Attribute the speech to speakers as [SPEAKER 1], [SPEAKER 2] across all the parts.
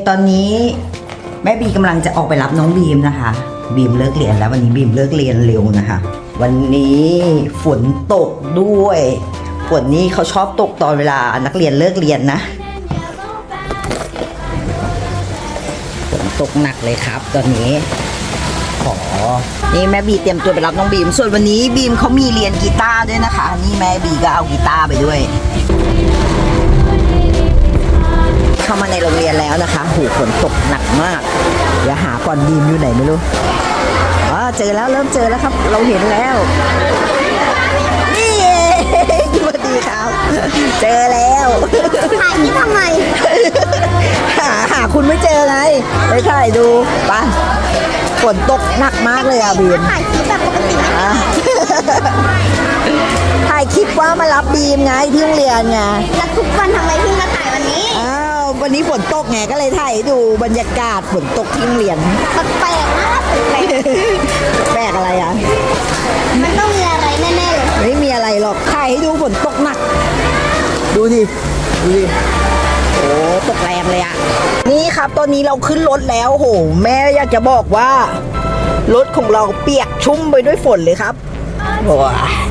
[SPEAKER 1] ตอนนี้แม่บีกำลังจะออกไปรับน้องบีมนะคะบีมเลิกเรียนแล้ววันนี้บีมเลิกเรียนเร็วนะคะวันนี้ฝนตกด้วยฝนนี้เขาชอบตกตอนเวลานักเรียนเลิกเรียนนะฝนตกหนักเลยครับตอนนี้นี่แม่บีเตรียมตัวไปรับน้องบีมส่วนวันนี้บีมเขามีเรียนกีตาร์ด้วยนะคะนี่แม่บีก็เอากีตาร์ไปด้วยเข้ามาในโรงเรียนแล้วนะคะหูฝนตกหนักมากเดี๋ยวหาก่อนบีมอยู่ไหนไม่รู้เจอแล้วเริ่มเจอแล้วครับเราเห็นแล้วนี่สวัสดีครับเจอแล้ว
[SPEAKER 2] ถ่ายนี่ทำไม
[SPEAKER 1] หาคุณไม่เจอไงไปถ่ายดูไปฝนตกหนักมากเลยบีม
[SPEAKER 2] ถ่ายคลิปแบบปกติ
[SPEAKER 1] ถ่ายคลิปว่ามารับบีมไงที่โรงเรียนไง
[SPEAKER 2] แล้วทุกวันทำไมเพิ่งมาถ่ายวันนี้
[SPEAKER 1] วันนี้ฝนตกไงก็เลยถ่ายดูบรรยากาศฝนตกที่โรงเรียน
[SPEAKER 2] แปลกมาก
[SPEAKER 1] แปลกอะไรอ่ะ
[SPEAKER 2] มันต้องมีอะไรแน่ๆเลย
[SPEAKER 1] ไม่มีอะไรหรอกถ่ายให้ดูฝนตกหนักดูดิโอ้ตกแรงเลยอ่ะนี่ครับตอนนี้เราขึ้นรถแล้วโหแม่อยากจะบอกว่ารถของเราเปียกชุ่มไปด้วยฝนเลยครับโอ้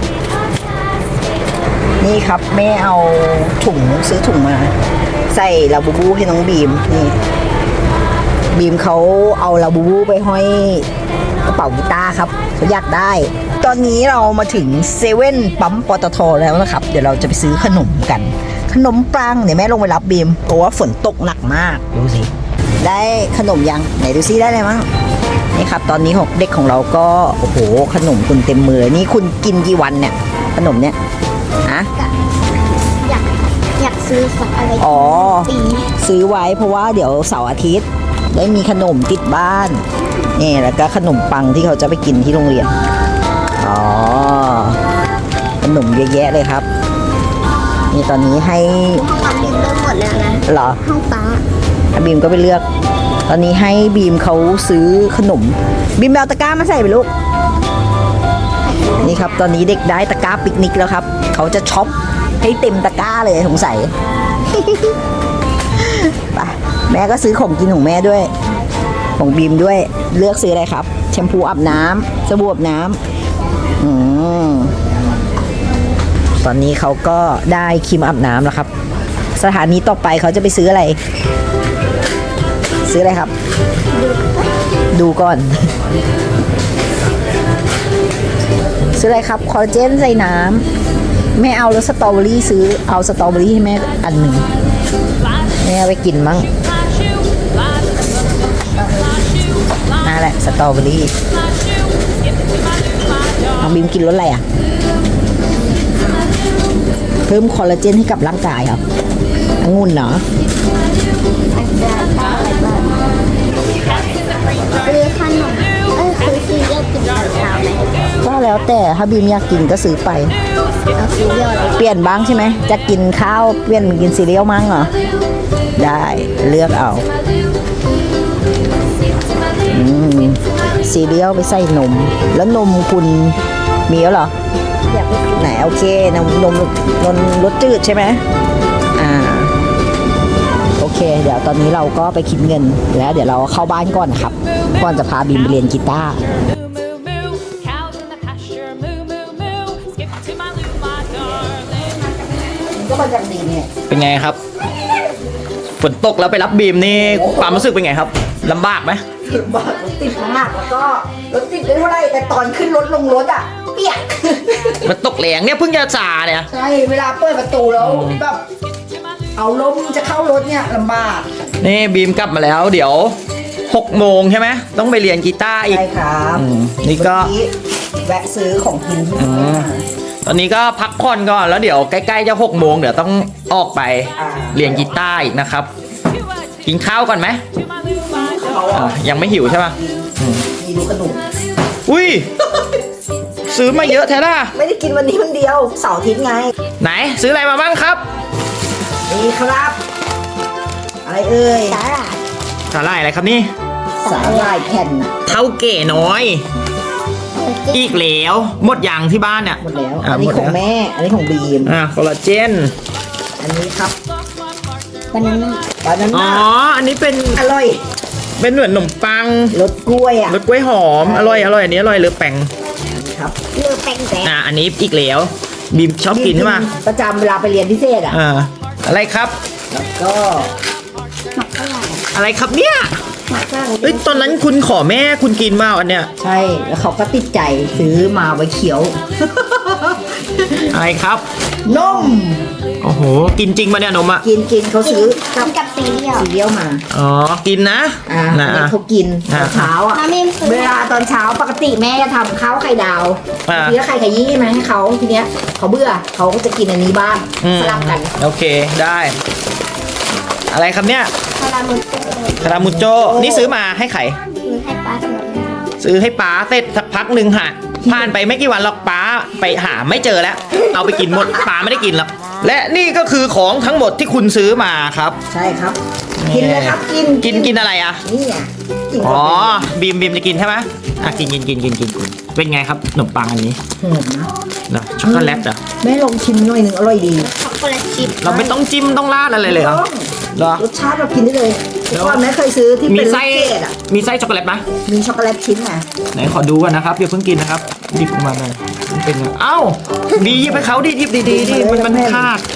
[SPEAKER 1] นี่ครับแม่เอาถุงซื้อถุงมาใส่ลาบูบูให้น้องบีมนี่บีมเขาเอาลาบูบูไปห้อยกระเป๋ากีตาร์ครับเขาอยากได้ตอนนี้เรามาถึงเซเว่นปั๊มปตทแล้วนะครับเดี๋ยวเราจะไปซื้อขนมกันขนมปังเดี๋ยวแม่ลงไปรับบีมเพราะว่าฝนตกหนักมากดูสิได้ขนมยังไหนดูซิได้อะไรมั้งนี่ครับตอนนี้เด็กของเราก็โอ้โหขนมคุณเต็มมือนี่คุณกินกี่วันเนี่ยขนมเนี่ยฮะ
[SPEAKER 2] อยากซื้อสักอะไร
[SPEAKER 1] ซื้อไว้เพราะว่าเดี๋ยวเสาร์อาทิตย์ได้มีขนมติดบ้านนี่แล้วก็ขนมปังที่เขาจะไปกินที่โรงเรียนขนมเยอะแยะเลยครับนี่ตอนนี้ให้
[SPEAKER 2] ห้องบีมเริ่มหมดแล้วนะ
[SPEAKER 1] เหรอ
[SPEAKER 2] ห้องป้า
[SPEAKER 1] บีมก็ไปเลือกตอนนี้ให้บีมเขาซื้อขนมบีมเอาตะกร้ามาใส่ไปลูกนี่ครับตอนนี้เด็กได้ตะกร้าปิกนิกแล้วครับเขาจะช็อปให้เต็มตะกร้าเลยสงสัยไปแม่ก็ซื้อของกินของแม่ด้วยของบีมด้วยเลือกซื้ออะไรครับแชมพูอาบน้ำสบู่อาบน้ำตอนนี้เขาก็ได้ครีมอาบน้ำแล้วครับสถานีต่อไปเขาจะไปซื้ออะไรครับ ดูก่อนซื้ออะไรครับคอลลาเจนใส่น้ำแม่เอาแล้วสตรอเบอรี่ซื้อเอาสตรอเบอรี่ให้แม่อันหนึ่งแม่เอาไปกินมั้งนั่นแหละสตรอเบอรี่น้องบีมกินรสอะไรอ่ะเพิ่มคอลลาเจนให้กับร่างกายครับองุ่นเหรอ
[SPEAKER 2] ซื้อขนมซื้อซีเรียลกินตอนเช้าไหม
[SPEAKER 1] ก็แล้วแต่ถ้าบีมอยากกินก็ซื้อไป
[SPEAKER 2] เอาซีเรียล
[SPEAKER 1] เปลี่ยนบ้างใช่ไหมจะกินข้าวเปลี่ยนกินซีเรียลมั้งเหรอได้เลือกเอาซีเรียลไปใส่นมแล้วนมคุณมีแล้วเหรอไหนโอเคนมรสจืดใช่ไหมโอเคเดี๋ยวตอนนี้เราก็ไปคิดเงินแล้วเดี๋ยวเราเข้าบ้านก่อนนะครับก่อนจะพาบีมไปเรียนกีตาร์ก็มาจากดีเนี่ย
[SPEAKER 3] เป็นไงครับฝนตกแล้วไปรับบีมนี่ความรู้สึกเป็นไงครับลำบากไหม
[SPEAKER 1] ลำบากรถติดมากแล้วก็รถติดไม่เท่าไรแต่ตอนขึ้นรถลงรถอ่ะเปียก
[SPEAKER 3] มันตกแรงเนี่ยเพิ่งจะจ่าเนี่ย
[SPEAKER 1] ใช่เวลาเปิดประตูแล้วแบบเอาลมจะเข้ารถเนี่ยลำบาก
[SPEAKER 3] นี่บีมกลับมาแล้วเดี๋ยว6 โมงใช่ไหมต้องไปเรียนกีตาร์อีก
[SPEAKER 1] ใช่ครับ
[SPEAKER 3] นี่ก็
[SPEAKER 1] แวะซื้อของกิน
[SPEAKER 3] ตอนนี้ก็พักผ่อนก่อนแล้วเดี๋ยวใกล้ๆจะ6 โมงเดี๋ยวต้องออกไปเรียนกีตาร์อีกนะครับกินข้าวก่อนไหมยังไม่หิวใช่ป่ะ
[SPEAKER 1] มีดูขนม
[SPEAKER 3] อุ้ยซื้อมาเยอะแท้ล่ะ
[SPEAKER 1] ไม่ได้กินวันนี้คนเดียวเสาร์อาทิตย์ไง
[SPEAKER 3] ไหนซื้ออะไรมาบ้างครับ
[SPEAKER 1] นี่ครับอะไรเอ่ย
[SPEAKER 3] สาหร่ายอะไรครับนี่
[SPEAKER 1] สาหร่ายแผ่น
[SPEAKER 3] เท่าเก๋น้อยอีกแล้วหมดอย่างที่บ้านเนี่ย
[SPEAKER 1] หมดแล้วอันนี้ของแม่อันนี้ของบีม
[SPEAKER 3] คอลลาเจน
[SPEAKER 1] อันนี้ครับ
[SPEAKER 2] บานาน่า
[SPEAKER 1] บานา
[SPEAKER 3] อ๋อ
[SPEAKER 1] น่า
[SPEAKER 3] อันนี้เป็น
[SPEAKER 1] อร่อย
[SPEAKER 3] เป็นเหมือนขนมปัง
[SPEAKER 1] รสกล้วยอ่ะ
[SPEAKER 3] รสกล้วยหอม อร่อย อร่อย อันนี้อร่อยเลยแป้ง
[SPEAKER 1] ครับ
[SPEAKER 2] เลือแป้งแดง
[SPEAKER 3] อันนี้อีกแล้วบีมชอบกินใช่ไหม
[SPEAKER 1] ประจำเวลาไปเรียนพิเศษอ่ะ
[SPEAKER 3] อะไรครับ
[SPEAKER 1] แล้วก็
[SPEAKER 2] หมักฝรั่ง
[SPEAKER 3] อะไรครับเนี่ย
[SPEAKER 2] หมักฝรั่ง
[SPEAKER 3] เอ้ยตอนนั้นคุณขอแม่คุณกินมาอันเนี้ย
[SPEAKER 1] ใช่ แล้วเขาก็ติดใจซื้อมาไว้เขียว
[SPEAKER 3] อะไรครับ
[SPEAKER 1] นม
[SPEAKER 3] โอ้โห กินจริงมาเนี่ยนมอ่ะ
[SPEAKER 1] กินเขาซื้อ
[SPEAKER 2] กินกับซีเรียล
[SPEAKER 1] ซีเรียลมา
[SPEAKER 3] อ๋อ กินนะ
[SPEAKER 1] อันนี้เขากินตอนเช้าอ่ะ
[SPEAKER 2] น้ำเอ็มซื้อ
[SPEAKER 1] เวลาตอนเช้าปกติแม่จะทำข้าวไข่ดาว
[SPEAKER 3] อ่า
[SPEAKER 1] ทีละไข่ขยี้มาให้เขาทีเนี้ยเขาเบื่อเขาก็จะกินอันนี้บ้าง
[SPEAKER 3] อืม
[SPEAKER 1] สลับกัน
[SPEAKER 3] โอเค ได้ อะไรครับเนี่ย
[SPEAKER 2] คาราเมลเจอ
[SPEAKER 3] คารามุโจ นี่ซื้อมาให้ใคร
[SPEAKER 2] ซื้อให้ป้าสำหรับ
[SPEAKER 3] ซื้อให้ป้าเสร็จสักพักหนึ่งค่ะ ผ่านไปไม่กี่วันหรอกป้าไปหาไม่เจอแล้ว เอาไปกินหมดป้าไม่ได้กินหรอก และนี่ก็คือของทั้งหมดที่คุณซื้อมาครับ
[SPEAKER 1] ใช่ครับ กินเลยครับกิน
[SPEAKER 3] อะไรอ่ะ
[SPEAKER 1] นี่ไงกิน
[SPEAKER 3] อ๋อ
[SPEAKER 1] เข้าไป
[SPEAKER 3] บีมจะกินใช่ไหมกินเป็นไงครับขนมปังอันนี้
[SPEAKER 1] หอมนะ
[SPEAKER 3] เหรอช็อกโกแลตเหรอ
[SPEAKER 1] แม่ลองชิมหน่อยหนึ่งอร่อยดี
[SPEAKER 2] ช็อกโกแลตชิพ
[SPEAKER 3] เราไม่ต้องจิ้มต้องราดอะไรเลยเหรอ
[SPEAKER 1] ต้อง
[SPEAKER 3] เหรอ
[SPEAKER 1] รสชาติเรากินได้เลยเมื่อก่อนแม่เคยซื้อที่
[SPEAKER 3] มี
[SPEAKER 1] เป็นลู
[SPEAKER 3] ไส้
[SPEAKER 1] กเกดอ่ะ
[SPEAKER 3] มีไส้ช็อกโกแลตไหม
[SPEAKER 1] มีช็อกโกแลตชิ้นอ่ะ
[SPEAKER 3] ไหนขอดูกันนะครับอย่าเพิ่งกินนะครับหยิบออกมาเลยมันเป็นไงเอ้าดีหยิบให้เขาดิหยิบดีมันขาด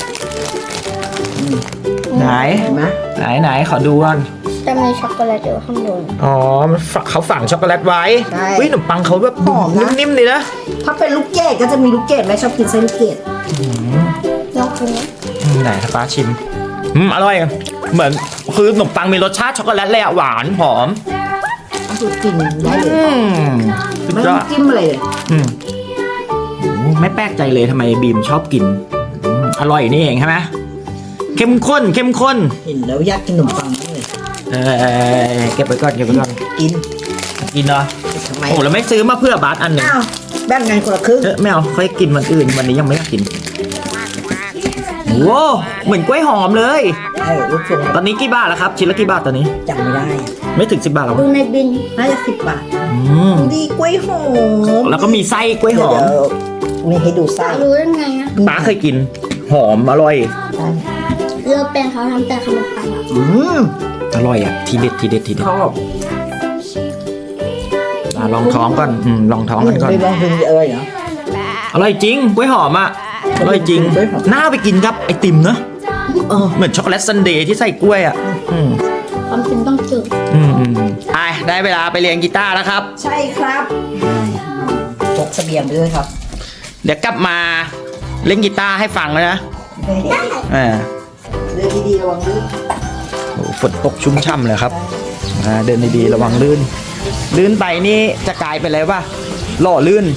[SPEAKER 3] ไหน
[SPEAKER 1] เห็นไหม
[SPEAKER 3] ไหนขอดูก่อน
[SPEAKER 2] จะมีช็อกโกแลตอยู่ข้างบน
[SPEAKER 3] อ๋อเขาฝังช็อกโกแลตไว้เฮ้ยขนมปังเขาแบบ
[SPEAKER 1] หอมนะ
[SPEAKER 3] นิ่มๆดีนะ
[SPEAKER 1] ถ้าเป็นลูกเกดก็จะมีลูกเกดแม่ชอบกินไส้ลูกเกด
[SPEAKER 2] ลองกินนะ
[SPEAKER 3] ไหนถ้าป้าชิมอร่อยเหมือนคือขนมปังมีรสชาติช็อกโกแลตเลยอะหวานหอม
[SPEAKER 1] คือกินได้เลย
[SPEAKER 3] สุด
[SPEAKER 1] ไม่
[SPEAKER 3] ย
[SPEAKER 1] ต้
[SPEAKER 3] อ
[SPEAKER 1] อง
[SPEAKER 3] ด
[SPEAKER 1] จิ้มอะไรเลย
[SPEAKER 3] ไม่แปลกใจเลยทำไมบีมชอบกินอร่อยนี่เองใช่ไหมเข้มข้น
[SPEAKER 1] เห็นแล้วอยากกินขนมปังเลย
[SPEAKER 3] เก็บไว้ก่อน
[SPEAKER 1] กิน
[SPEAKER 3] กินเนาะ
[SPEAKER 1] ทำไม
[SPEAKER 3] โอ้แล้วไม่ซื้อมาเพื่อบาสอันหนึ่ง
[SPEAKER 1] อ้าวแบ่งกันคนละครึ่ง
[SPEAKER 3] ไม่เอาค่อยกินวันอื่นวันนี้ยังไม่อยากกินโว้เหมือนกล้วยหอมเลย
[SPEAKER 1] ใช่ลูกทรง
[SPEAKER 3] ตอนนี้กี่บาทแล้วครับชิ้นละกี่บาทตอนนี้
[SPEAKER 1] จำไม่ได้
[SPEAKER 3] ไม่ถึง10 บาทหรอ
[SPEAKER 2] ดูในบิน
[SPEAKER 1] น่าจะ10 บาท
[SPEAKER 3] อืม
[SPEAKER 1] ดีกล้วยหอม
[SPEAKER 3] แล้วก็มีไส้กล้วยหอม
[SPEAKER 1] เดี๋ยวมีให้ดูไส้
[SPEAKER 2] รู้ได้ไงอะ
[SPEAKER 3] ป้าเคยกินหอมอร่อย
[SPEAKER 2] เลือกแป้งเขาทำแต่ขนมปังอะ
[SPEAKER 1] อืม
[SPEAKER 3] อร่อยอ่ะทีเด็ด
[SPEAKER 1] ชอบ
[SPEAKER 3] ลองท้องก่อนลองท้องกันก่อน
[SPEAKER 1] ไม่ลองกินเอ้ยเหรอ
[SPEAKER 3] อร่อยจริงกล้วยหอมอ่ะอร่อยจริง
[SPEAKER 1] กล้วยหอม
[SPEAKER 3] น่าไปกินครับไอติมเนอะ
[SPEAKER 1] เออ
[SPEAKER 3] เหมือนช็อกโกแลตซันเดย์ที่ใส่กล้วยอ่ะ
[SPEAKER 2] ความจริงต้องจืด
[SPEAKER 3] ไปได้เวลาไปเรียนกีตาร์แล้วครับ
[SPEAKER 1] ใช่ครับพกเสบียงไปด้วยครับ
[SPEAKER 3] เดี๋ยวกลับมาเล่นกีตาร์ให้ฟังแล้วนะอ่า
[SPEAKER 1] เดินดีๆระวังลื่น
[SPEAKER 3] โอ้ฝนตกชุ่มช่ำเลยครับเดินดีๆระวังลื่น ลื่นไปนี่จะกลายเป็นอะไรวะหล่อลื่น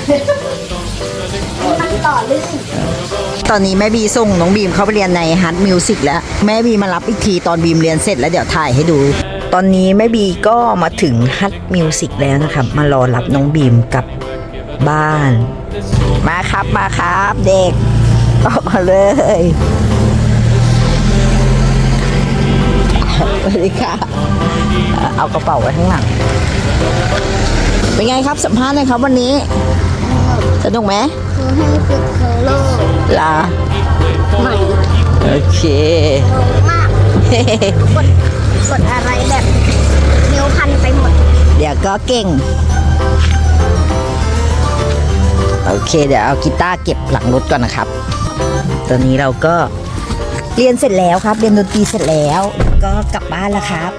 [SPEAKER 2] มันต่อลื่น
[SPEAKER 1] ตอนนี้แม่บีส่งน้องบีมเข้าไปเรียนในฮัทมิวสิกแล้วแม่บีมารับอีกทีตอนบีมเรียนเสร็จแล้วเดี๋ยวถ่ายให้ดู ตอนนี้แม่บีก็มาถึงฮัทมิวสิกแล้วนะครับมารอรับน้องบีมกลับบ้าน มาครับเด็กออกมาเลยสวัสดีค่ะเอากระเป๋าไว้ข้างหลังเป็นไงครับสัมภาษณ์หน่อยครับวันนี้สนุกไหม
[SPEAKER 2] คือให้ฝึกเคอร์โล
[SPEAKER 1] ลา
[SPEAKER 2] ใหม่
[SPEAKER 1] โอเค
[SPEAKER 2] มากกดอะไรแบบนิ้วพันไปหมด
[SPEAKER 1] เดี๋ยวก็เก่ง โอเค เดี๋ยวเอากีตาร์เก็บหลังรถก่อนนะครับ ตอนนี้เราก็เรียนเสร็จแล้วครับ เรียนดนตรีเสร็จแล้ว ก็กลับบ้านแล้วครับ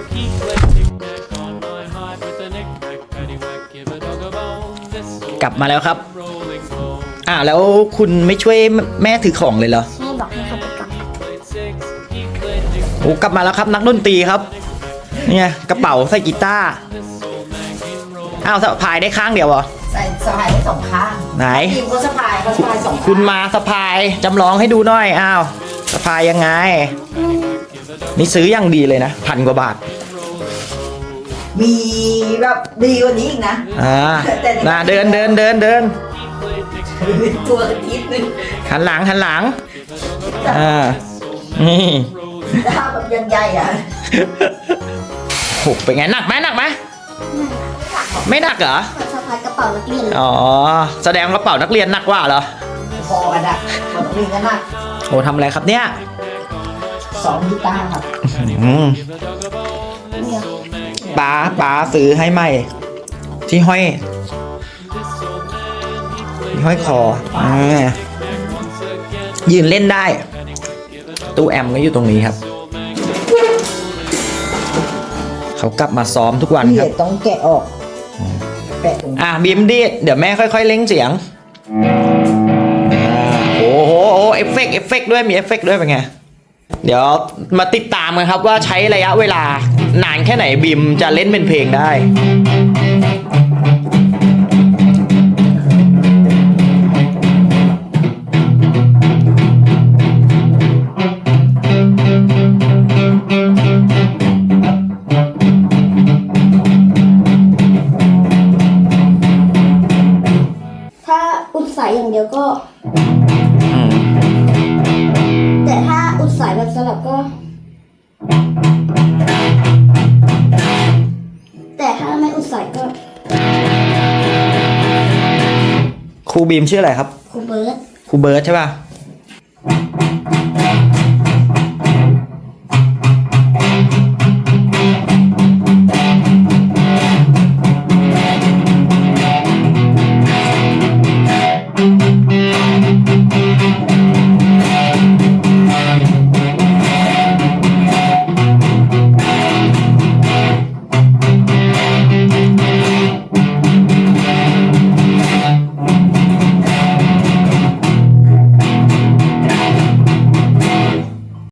[SPEAKER 3] กลับมาแล้วครับแล้วคุณไม่ช่วยแม่ถือของเลยเหรอ
[SPEAKER 2] แม่บอกให้เขาไปกลับ
[SPEAKER 3] โอ้กลับมาแล้วครับนักดนตรีครับเนี่ยกระเป๋าใส่กีตาร์สะพายได้ข้างเดียวเหรอ
[SPEAKER 1] ใส่สะพายได้2 ข้าง
[SPEAKER 3] ไหน
[SPEAKER 1] ทีมเขาสะพายเขาสะพาย2 ข้าง
[SPEAKER 3] คุณมาสะพายจำลองให้ดูหน่อยสะพายยังไง นี่ซื้ออย่างดีเลยนะ1,000 กว่าบาท
[SPEAKER 1] มีแบบดีกว่านี้อีกนะ
[SPEAKER 3] เดิน
[SPEAKER 1] ตัวนิดนึง
[SPEAKER 3] หันหลังนี่
[SPEAKER 1] ถ้าแบบยังใหญ่อะ
[SPEAKER 3] โหเป็นไงหนักไหมไม่หนักเหรอ
[SPEAKER 2] สะพายกระเป๋านักเรียน
[SPEAKER 3] แสดงกระเป๋านักเรียนหนักกว่าเหรอ
[SPEAKER 1] พอกันอะคนนี้กันนะ
[SPEAKER 3] โอ้ทำอะไรครับเนี่ย
[SPEAKER 1] ซ้อมกีตาร์ครับ
[SPEAKER 3] อืม
[SPEAKER 2] เนี่ย
[SPEAKER 3] ป๋าซื้อให้ใหม่ ที่ห้อยคอยืนเล่นได้ ตู้แอมก็อยู่ตรงนี้ครับ เขากลับมาซ้อมทุกวัน
[SPEAKER 1] พี่
[SPEAKER 3] ครับ
[SPEAKER 1] ต้องแกะออกแปะตรงนี้
[SPEAKER 3] บีมดีดเดี๋ยวแม่ค่อยๆเล่งเสียงโอ้โหเอฟเฟกต์ด้วยมีเอฟเฟกต์ด้วยเป็นไง เดี๋ยวมาติดตามกันครับว่าใช้ระยะเวลานานแค่ไหนบีมจะเล่นเป็นเพลงได้
[SPEAKER 2] ถ้าอุดสายอย่างเดียวก็ แต่ถ้าอุดสายแบบสลับก็ แต่ถ้าไม่อุดสายก็
[SPEAKER 3] ครูบีมชื่ออะไรครับ
[SPEAKER 2] ครูเบิร์ต
[SPEAKER 3] ครูเบิร์ตใช่ป่ะ